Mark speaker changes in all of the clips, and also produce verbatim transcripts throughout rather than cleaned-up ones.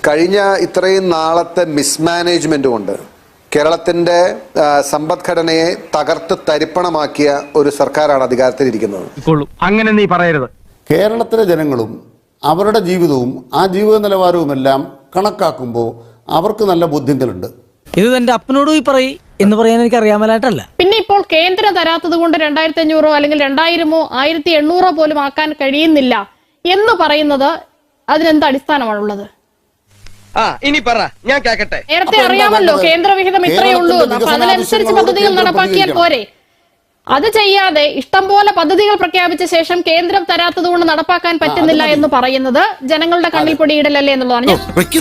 Speaker 1: കഴിഞ്ഞ ഇത്രയും നാളത്തെ മിസ്മാനേജ്മെന്റ് കൊണ്ട് കേരളത്തിന്റെ സമ്പദ്ഘടനയെ തകർത്ത് തരിപ്പണമാക്കിയ ഒരു സർക്കാരാണ് അധികാരത്തിലിരിക്കുന്നത്.
Speaker 2: അങ്ങനെ നീ പറയരുത്.
Speaker 3: കേരളത്തിലെ ജനങ്ങളും അവരുടെ ജീവിതവും ആ ജീവിത നിലവാരവുമെല്ലാം കണക്കാക്കുമ്പോൾ അവർക്ക് നല്ല ബോധ്യങ്ങളുണ്ട്.
Speaker 4: ഇത് എന്റെ അപ്പനോട് പോയി പറയും എന്ന് പറയാൻ എനിക്ക് അറിയാമലായിട്ടല്ല.
Speaker 5: പിന്നെ ഇപ്പോൾ കേന്ദ്രം തരാത്തത് കൊണ്ട് രണ്ടായിരത്തി അഞ്ഞൂറോ അല്ലെങ്കിൽ രണ്ടായിരമോ ആയിരത്തി എണ്ണൂറോ പോലും ആക്കാൻ കഴിയുന്നില്ല എന്ന് പറയുന്നത് അതിനെന്ത് അടിസ്ഥാനമാണുള്ളത്?
Speaker 2: ഇനി പറ, ഞാൻ കേക്കട്ടെ.
Speaker 5: നേരത്തെ അറിയാമല്ലോ കേന്ദ്രവിഹിതം ഇത്രയേ ഉള്ളൂ, അപ്പൊ അതിനനുസരിച്ച് പദ്ധതികൾ നടപ്പാക്കിയാൽ പോരെ. അത് ചെയ്യാതെ ഇഷ്ടം പോലെ പദ്ധതികൾ പ്രഖ്യാപിച്ച ശേഷം കേന്ദ്രം തരാത്തത് കൊണ്ട് നടപ്പാക്കാൻ പറ്റുന്നില്ല എന്ന് പറയുന്നത് ജനങ്ങളുടെ കണ്ണിൽ പൊടിയിടലല്ലേ എന്നുള്ളതാണ്.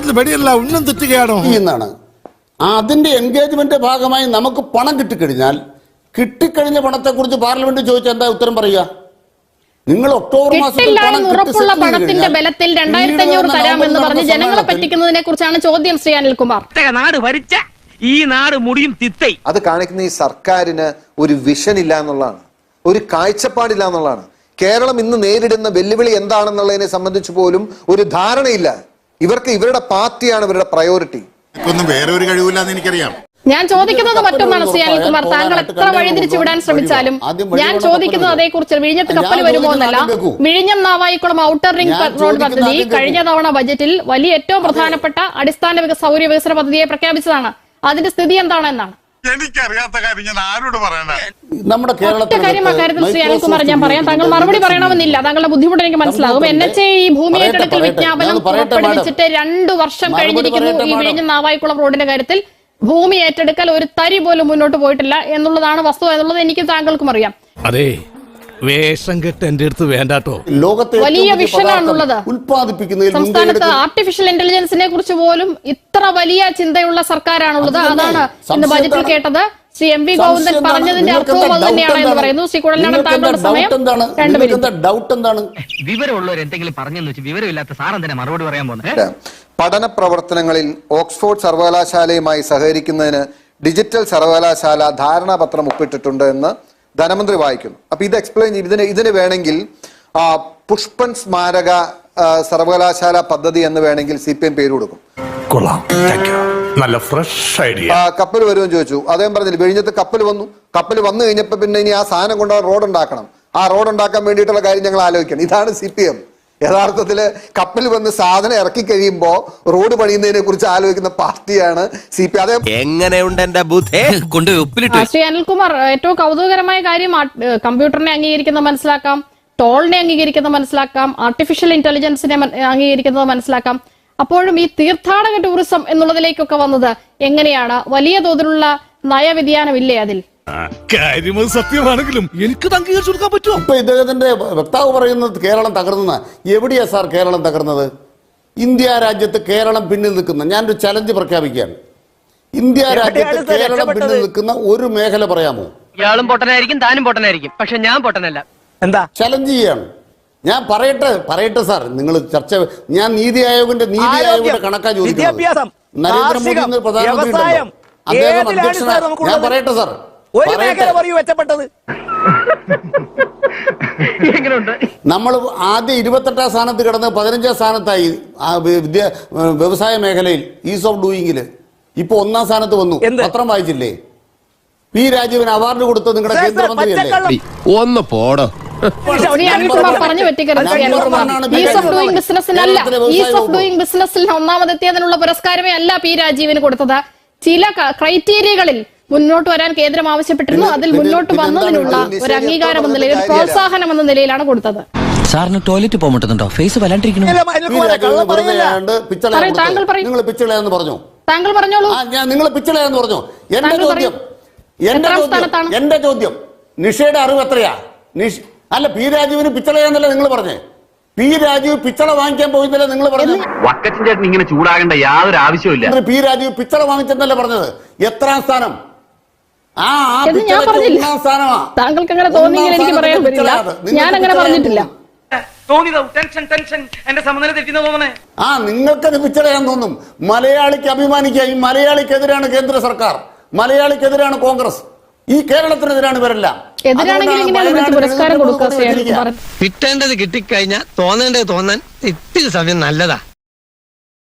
Speaker 3: എന്നാണ് അതിന്റെ എൻഗേജ്മെന്റ് ഭാഗമായി നമുക്ക് പണം കിട്ടിക്കഴിഞ്ഞാൽ കിട്ടിക്കഴിഞ്ഞ പണത്തെ കുറിച്ച് പാർലമെന്റ് ചോദിച്ചാൽ എന്താ ഉത്തരം പറയുക? നിങ്ങൾ ഒക്ടോബർ മാസത്തിൽ
Speaker 5: ഉറപ്പുള്ള പണത്തിന്റെ ബലത്തിൽ രണ്ടായിരത്തി അഞ്ഞൂറ് തരാമെന്ന് പറഞ്ഞ് ജനങ്ങളെ പറ്റിക്കുന്നതിനെ കുറിച്ചാണ് ചോദ്യം. ശ്രീ അനിൽകുമാർ,
Speaker 2: നാട് ഭരിച്ച ഈ നാട് മുടിയും തിത്തൈ.
Speaker 1: അത് കാണിക്കുന്ന ഈ സർക്കാരിന് ഒരു വിഷൻ ഇല്ല എന്നുള്ളതാണ്, ഒരു കാഴ്ചപ്പാടില്ല എന്നുള്ളതാണ്. കേരളം ഇന്ന് നേരിടുന്ന വെല്ലുവിളി എന്താണെന്നുള്ളതിനെ സംബന്ധിച്ച് പോലും ഒരു ധാരണയില്ല. ഇവർക്ക് ഇവരുടെ പാർട്ടിയാണ് ഇവരുടെ പ്രയോറിറ്റി.
Speaker 6: വേറെ ഒരു കഴിവില്ലാന്ന് എനിക്കറിയാം.
Speaker 5: ഞാൻ ചോദിക്കുന്നത് മറ്റൊന്നാണ് ശ്രീ അനിൽകുമാർ. താങ്കൾ എത്ര വഴിതിരിച്ചു വിടാൻ ശ്രമിച്ചാലും ഞാൻ ചോദിക്കുന്നത് അതേക്കുറിച്ച് വിഴിഞ്ഞത്ത് കപ്പൽ വരുമോ എന്നല്ല. വിഴിഞ്ഞം നാവായിക്കുളം ഔട്ടർ റിംഗ് റോഡ് പദ്ധതി കഴിഞ്ഞ തവണ ബജറ്റിൽ വലിയ ഏറ്റവും പ്രധാനപ്പെട്ട അടിസ്ഥാന സൗകര്യ വികസന പദ്ധതിയെ പ്രഖ്യാപിച്ചതാണ്. അതിന്റെ സ്ഥിതി എന്താണെന്നാണ്
Speaker 6: എനിക്കറിയാത്ത കാര്യം ഞാൻ ആരോട് പറയാനാ?
Speaker 3: നമ്മുടെ
Speaker 5: കാര്യം അക്കാര്യത്തിൽ ശ്രീ അനിൽകുമാർ ഞാൻ പറയാം. താങ്കൾ മറുപടി പറയണമെന്നില്ല, താങ്കളുടെ ബുദ്ധിമുട്ട് എനിക്ക് മനസ്സിലാകും. എൻ എച്ച് ഈ ഭൂമി ഏറ്റെടുക്കൽ വിജ്ഞാപനം പുറപ്പെടുവിച്ചിട്ട് രണ്ടു വർഷം കഴിഞ്ഞിരിക്കുന്നു. ഈ വിഴിഞ്ഞം നാവായിക്കുളം റോഡിന്റെ കാര്യത്തിൽ ഭൂമി ഏറ്റെടുക്കൽ ഒരു തരി പോലും മുന്നോട്ട് പോയിട്ടില്ല എന്നുള്ളതാണ് വസ്തുത എന്നുള്ളത് എനിക്ക് താങ്കൾക്കും അറിയാം.
Speaker 7: അതെ, വേഷം കെട്ട് എന്റെ അടുത്ത് വേണ്ടാട്ടോ.
Speaker 3: ലോകത്തെ
Speaker 5: വലിയ വിഷനാണുള്ളത്.
Speaker 3: ഉൽപ്പാദിപ്പിക്കുന്നതിൽ
Speaker 5: സംസ്ഥാനത്ത് ആർട്ടിഫിഷ്യൽ ഇന്റലിജൻസിനെ കുറിച്ച് പോലും ഇത്ര വലിയ ചിന്തയുള്ള സർക്കാരാണുള്ളത്. അതാണ് ഇന്ന് ബജറ്റിൽ കേട്ടത്. ശ്രീ എം വി ഗോവിന്ദൻ പറഞ്ഞതിന്റെ അർത്ഥവും അത് തന്നെയാണ് എന്ന് പറയുന്നു. ശ്രീ കുഴലാണ് താങ്കളുടെ സമയം രണ്ട് മിനിറ്റ്.
Speaker 3: ഡൗട്ട് എന്താണ്?
Speaker 2: വിവരമുള്ളവർ എന്തെങ്കിലും പറഞ്ഞെന്ന് വെച്ച് വിവരമില്ലാത്ത സാറെന്തിനാ മറുപടി പറയാൻ പോകുന്നത്?
Speaker 1: പഠന പ്രവർത്തനങ്ങളിൽ ഓക്സ്ഫോർഡ് സർവകലാശാലയുമായി സഹകരിക്കുന്നതിന് ഡിജിറ്റൽ സർവകലാശാല ധാരണാപത്രം ഒപ്പിട്ടിട്ടുണ്ട് എന്ന് ധനമന്ത്രി വായിക്കുന്നു. അപ്പൊ ഇത് എക്സ്പ്ലെയിൻ ചെയ്യും. ഇതിന് ഇതിന് വേണമെങ്കിൽ പുഷ്പൻ സ്മാരക സർവകലാശാല പദ്ധതി എന്ന് വേണമെങ്കിൽ സി പി എം പേര് കൊടുക്കും.
Speaker 7: നല്ല ഫ്രഷ് ഐഡിയ.
Speaker 1: കപ്പൽ വരുമെന്ന് ചോദിച്ചു, അദ്ദേഹം പറഞ്ഞില്ല. വിഴിഞ്ഞത്ത് കപ്പൽ വന്നു. കപ്പൽ വന്നു കഴിഞ്ഞപ്പോ പിന്നെ ഇനി ആ സാധനം കൊണ്ടുപോകാൻ റോഡ് ഉണ്ടാക്കണം. ആ റോഡ് ഉണ്ടാക്കാൻ വേണ്ടിയിട്ടുള്ള കാര്യം ഞങ്ങൾ ആലോചിക്കണം. ഇതാണ് സി പി എം. യഥാർത്ഥത്തില് കപ്പൽ വന്ന് സാധനം ഇറക്കി കഴിയുമ്പോ റോഡ് പണിയുന്നതിനെ കുറിച്ച് ആലോചിക്കുന്ന പാർട്ടിയാണ് സി പി എം.
Speaker 2: എങ്ങനെയുണ്ട് എന്റെ ബുദ്ധി കൊണ്ട് ഉപ്പിലിട്ട്.
Speaker 5: ശ്രീ അനിൽകുമാർ, ഏറ്റവും കൗതുകകരമായ കാര്യം കമ്പ്യൂട്ടറിനെ അംഗീകരിക്കുന്നത് മനസ്സിലാക്കാം, ടോളിനെ അംഗീകരിക്കുന്നത് മനസ്സിലാക്കാം, ആർട്ടിഫിഷ്യൽ ഇന്റലിജൻസിനെ അംഗീകരിക്കുന്നത് മനസ്സിലാക്കാം. അപ്പോഴും ഈ തീർത്ഥാടക ടൂറിസം എന്നുള്ളതിലേക്കൊക്കെ വന്നത് എങ്ങനെയാണ്? വലിയ തോതിലുള്ള നയവ്യതിയാനമില്ലേ അതിൽ?
Speaker 7: സത്യമാണെങ്കിലും എനിക്ക് അംഗീകരിച്ചു കൊടുക്കാൻ പറ്റുമോ?
Speaker 3: ഇപ്പൊ ഇദ്ദേഹത്തിന്റെ വക്താവ് പറയുന്നത് കേരളം തകർന്ന. എവിടെയാ സാർ കേരളം തകർന്നത്? ഇന്ത്യ രാജ്യത്ത് കേരളം പിന്നിൽ നിൽക്കുന്ന, ഞാനൊരു ചലഞ്ച് പ്രഖ്യാപിക്കുകയാണ്. ഇന്ത്യ രാജ്യത്ത് കേരളം പിന്നിൽ നിൽക്കുന്ന ഒരു മേഖല പറയാമോ?
Speaker 2: ഇയാളും പൊട്ടനായിരിക്കും, താനും പൊട്ടനായിരിക്കും, പക്ഷെ ഞാൻ പൊട്ടനല്ല. എന്താ ചലഞ്ച്
Speaker 3: ചെയ്യാണ്? ഞാൻ പറയട്ടെ പറയട്ടെ സാർ, നിങ്ങൾ ചർച്ച. ഞാൻ നീതി ആയോഗിന്റെ നീതി ആയോഗിന്റെ കണക്കാ ചോദിക്കുന്നത്. നരേന്ദ്രമോദി പ്രധാനമന്ത്രി അദ്ദേഹം അധ്യക്ഷനാണ്. ഞാൻ പറയട്ടെ സാർ, നമ്മൾ ആദ്യം ഇരുപത്തെട്ടാം സ്ഥാനത്ത് കിടന്ന് പതിനഞ്ചാം സ്ഥാനത്തായി വിദ്യ വ്യവസായ മേഖലയിൽ ഈസ് ഓഫ് ഡൂയിങ്ങില്. ഇപ്പൊ ഒന്നാം സ്ഥാനത്ത് വന്നു. പത്രം വായിച്ചില്ലേ? പി രാജീവൻ അവാർഡ് കൊടുത്തത് നിങ്ങളുടെ കേന്ദ്രമന്ത്രിയല്ലേ?
Speaker 7: ഒന്ന് പോടോ.
Speaker 5: പറഞ്ഞു പറ്റിക്കരുത്. ഈസ് ഓഫ് ഡൂയിങ് ബിസിനസ്സിനല്ല, ഈസ് ഓഫ് ഡൂയിങ് ബിസിനസ്സിൽ ഒന്നാമതെത്തിയതിനുള്ള പുരസ്കാരമേ അല്ല പി രാജീവിന് കൊടുത്തത്. ചില ക്രൈറ്റീരിയകളിൽ മുന്നോട്ട് വരാൻ കേന്ദ്രം ആവശ്യപ്പെട്ടിരുന്നു. അതിൽ മുന്നോട്ട് വന്നതിനുള്ള ഒരു അംഗീകാരം എന്ന നിലയിൽ, പ്രോത്സാഹനം എന്ന നിലയിലാണ് കൊടുത്തത്.
Speaker 4: സാറിന് ടോയ്ലറ്റ് പോകാൻ പറ്റുന്നുണ്ടോ? ഫേസ് വല്ലാണ്ടിരിക്കുന്നു.
Speaker 5: താങ്കൾ പറഞ്ഞോളൂ.
Speaker 3: നിങ്ങൾ പിച്ചളയാന്ന് പറഞ്ഞു. എന്റെ ചോദ്യം എന്റെ ചോദ്യം എന്റെ ചോദ്യം നിഷയുടെ അറിവ് എത്രയാ? നിഷ് അല്ല, പി രാജീവിന് പിച്ചളയാന്നല്ല നിങ്ങൾ പറഞ്ഞേ. പി രാജീവ് പിച്ചള വാങ്ങിക്കാൻ പോയിന്നല്ലേ നിങ്ങൾ പറഞ്ഞു?
Speaker 2: വക്കച്ചൻ ചേട്ടൻ ഇങ്ങനെ ചൂടാകേണ്ട യാതൊരു ആവശ്യമില്ല.
Speaker 3: പി രാജീവ് പിച്ചള വാങ്ങിച്ചെന്നല്ലേ പറഞ്ഞത്? എത്രാം സ്ഥാനം? ആ ഒന്നാം സ്ഥാനമാ.
Speaker 5: താങ്കൾക്ക് അങ്ങനെ തോന്നിയെങ്കിൽ എനിക്ക് പറയാൻ പറ്റില്ല. ഞാൻ അങ്ങനെ പറഞ്ഞിട്ടില്ല.
Speaker 3: ആ നിങ്ങൾക്കത് പിച്ചളയാൻ തോന്നും. മലയാളിക്ക് അഭിമാനിക്കുക. ഈ മലയാളിക്കെതിരാണ് കേന്ദ്ര സർക്കാർ, മലയാളിക്കെതിരാണ് കോൺഗ്രസ്, ഈ കേരളത്തിനെതിരാണ് ഇവരെല്ലാം.
Speaker 2: കിട്ടേണ്ടത് കിട്ടിക്കഴിഞ്ഞാൽ തോന്നേണ്ടത് തോന്നാൻ ഇത്തിരി സമയം നല്ലതാ.